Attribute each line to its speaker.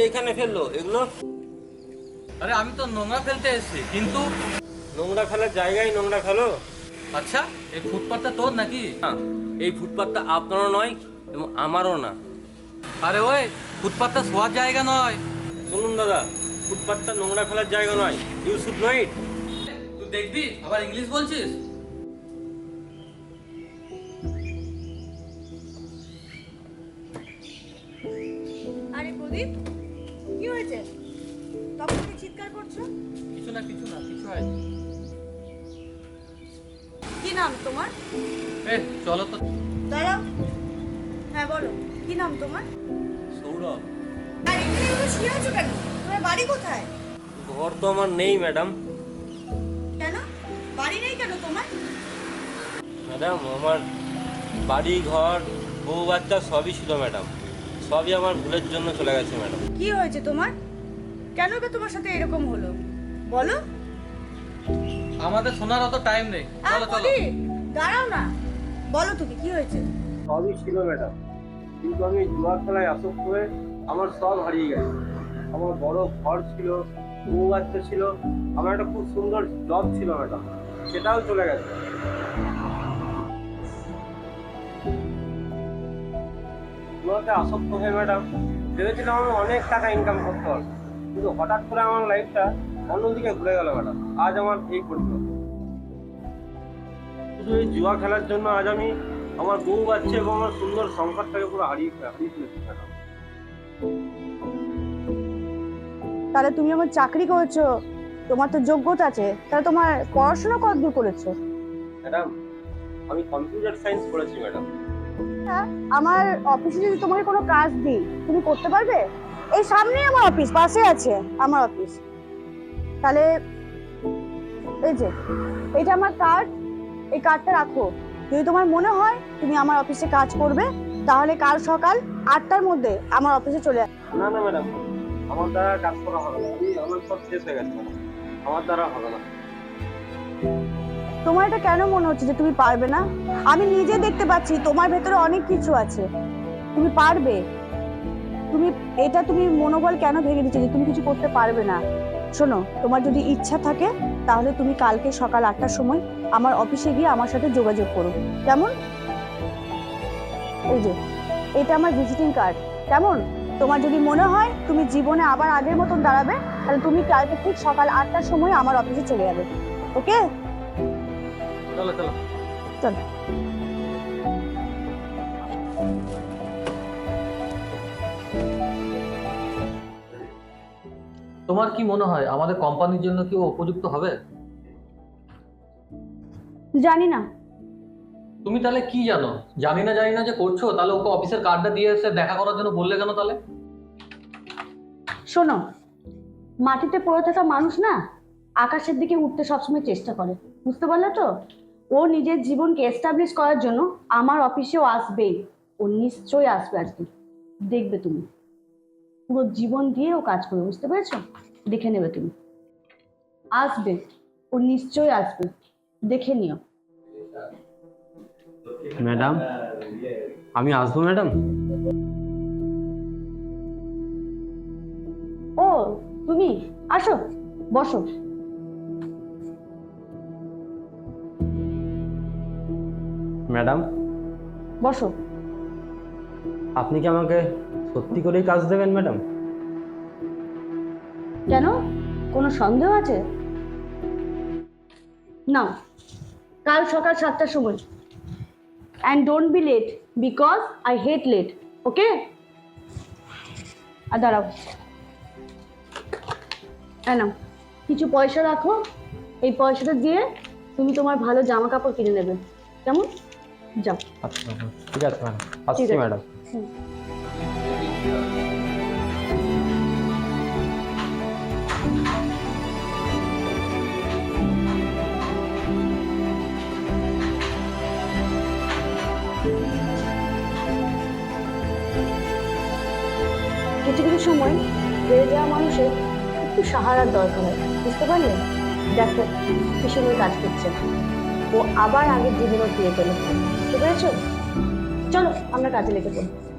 Speaker 1: এখানে ফেললো এগুলো?
Speaker 2: আরে আমি তো নোংরা ফেলতে এসেছি, কিন্তু
Speaker 1: নোংরা ফেলার জায়গায় নোংরা ফেলো?
Speaker 2: আচ্ছা এই ফুটপাথটা তোর নাকি?
Speaker 1: না, এই ফুটপাথটা আপনারও নয় এবং আমারও না।
Speaker 2: আরে ওই ফুটপাথটা শোয়ার জায়গা নয়।
Speaker 1: শুনুন দাদা, ফুটপাথটা নোংরা ফেলার জায়গা নয়। You should know it.
Speaker 2: তুই দেখবি আবার ইংলিশ বলছিস।
Speaker 3: আরে প্রদীপ, কি হয়েছে? তখন থেকে চিৎকার করছো?
Speaker 2: কিছু না কিছু হয়।
Speaker 3: কি নাম তোমার?
Speaker 2: চলো তো।
Speaker 3: দাঁড়াও। হ্যাঁ বলো, কি নাম তোমার?
Speaker 1: সৌরভ।
Speaker 3: আর এখানে এগুলো শুয়ে আছো কেন? তোমার বাড়ি কোথায়?
Speaker 1: ঘর তো আমার নেই ম্যাডাম।
Speaker 3: কেন বাড়ি নেই কেন তোমার?
Speaker 1: ম্যাডাম আমার বাড়ি ঘর বউ বাচ্চা সবই ছিল ম্যাডাম। সবই আমার ভুলের জন্য চলে গেছে ম্যাডাম।
Speaker 3: কি হয়েছে তোমার? কেন কে তোমার সাথে এরকম হলো বলো?
Speaker 2: আমাদের শোনার অত টাইম নেই, চলো চলো।
Speaker 3: প্রদীপ, দাঁড়াও না, বলো তুমি কি হয়েছে?
Speaker 1: সবই ছিল ম্যাডাম, কিন্তু আমি জুয়া খেলায় আসক্ত হয়ে আমার সব হারিয়ে গেছে। আমার বড় ঘর ছিল, বউ বাচ্চা ছিল, আমার একটা খুব সুন্দর জব ছিল ম্যাডাম, সেটাও চলে গেছে। জুয়াতে আসক্ত হয়ে ম্যাডাম ভেবেছিলাম আমি অনেক টাকা ইনকাম করতে পারবো, কিন্তু হঠাৎ করে আমার লাইফটা অন্যদিকে ঘুরে গেল ম্যাডাম। আজ আমার এই পরিণত। শুধু এই জুয়া খেলার জন্য আজ আমি আমার বউ বাচ্চা এবং আমার সুন্দর সংসারটাকে পুরো হারিয়ে ফেলেছি ম্যাডাম।
Speaker 3: তাহলে তুমি আমার চাকরি করেছো, তোমার তো যোগ্যতা আছে, তাহলে তোমার পড়াশোনা কতদূর করেছো?
Speaker 1: ম্যাডাম আমি কম্পিউটার সায়েন্স পড়েছি ম্যাডাম।
Speaker 3: আমার অফিসে যদি তোমাকে কোনো কাজ দিই তুমি করতে পারবে? এই সামনেই আমার অফিস, পাশে আছে আমার অফিস। তাহলে এই যে এটা আমার কার্ড, এই কার্ডটা রাখো। যদি তোমার মনে হয় তুমি আমার অফিসে কাজ করবে, তাহলে কাল সকাল 8টার মধ্যে আমার অফিসে চলে আসবে।
Speaker 1: না না ম্যাডাম, আমার দ্বারা কাজ করা হবে না। আমার সব শেষ হয়ে গেছে ম্যাডাম, আমার দ্বারা হবে না।
Speaker 3: তোমার এটা কেন মনে হচ্ছে যে তুমি পারবে না? আমি নিজে দেখতে পাচ্ছি তোমার ভেতরে অনেক কিছু আছে, তুমি পারবে। তুমি মনোবল কেন ভেঙে দিচ্ছ যে তুমি কিছু করতে পারবে না? শোনো, তোমার যদি ইচ্ছা থাকে তাহলে তুমি কালকে সকাল 8টার সময় আমার অফিসে গিয়ে আমার সাথে যোগাযোগ করো, কেমন? এই যে এটা আমার ভিজিটিং কার্ড, কেমন? তোমার যদি মনে হয় তুমি জীবনে আবার আগের মতন দাঁড়াবে, তাহলে তুমি কালকে ঠিক সকাল 8টার সময় আমার অফিসে চলে যাবে, ওকে?
Speaker 2: চলো চলো
Speaker 3: চলো।
Speaker 2: তোমার কি মনে হয় আমাদের কোম্পানির জন্য কি ও উপযুক্ত হবে?
Speaker 3: জানি না।
Speaker 2: তুমি তাহলে কি জানো? জানি না যে করছো, তাহলে ওকে অফিসের কার্ডটা দিয়ে এসে দেখা করার জন্য বললে কেন তাহলে?
Speaker 3: শোনো, মাটিতে পড়ে থাকা মানুষ না আকাশের দিকে উঠতে সবসময় চেষ্টা করে, বুঝতে পারলে তো? ও নিজের জীবনকে এস্টাবলিশ করার জন্য আমার অফিসেও আসবেই। ও নিশ্চয়ই আসবে আজকে, দেখবে তুমি। পুরো জীবন দিয়ে ও কাজ করবে, বুঝতে পেরেছো? দেখে নেবে তুমি, আসবে। ও নিশ্চয়ই আসবে, দেখে নিও।
Speaker 1: ম্যাডাম আমি আসবো ম্যাডাম?
Speaker 3: ও তুমি আসো, বসো।
Speaker 1: ম্যাডাম
Speaker 3: বসো।
Speaker 1: আপনি কি আমাকে সত্যি করেই কাজ দেবেন ম্যাডাম?
Speaker 3: কেন, কোনো সন্দেহ আছে? না, কাল সকাল 7টার সময়। And don't be late, because I hate late, okay? আর দাঁড়াও, নাও কিছু পয়সা রাখো। এই পয়সাটা দিয়ে তুমি তোমার ভালো জামা কাপড় কিনে নেবে, কেমন? যাও।
Speaker 1: আচ্ছা ঠিক আছে ম্যাডাম, আসছি ম্যাডাম।
Speaker 3: কিছু কিছু সময় বেড়ে যাওয়া মানুষের একটু সাহারার দরকার হয়, বুঝতে পারলেন? দেখো কি সময় কাজ করছে, ও আবার আগের জীবনে ফিরে পেল, বুঝতে পেরেছো? চলো আমরা কাজে লেগে পড়ি।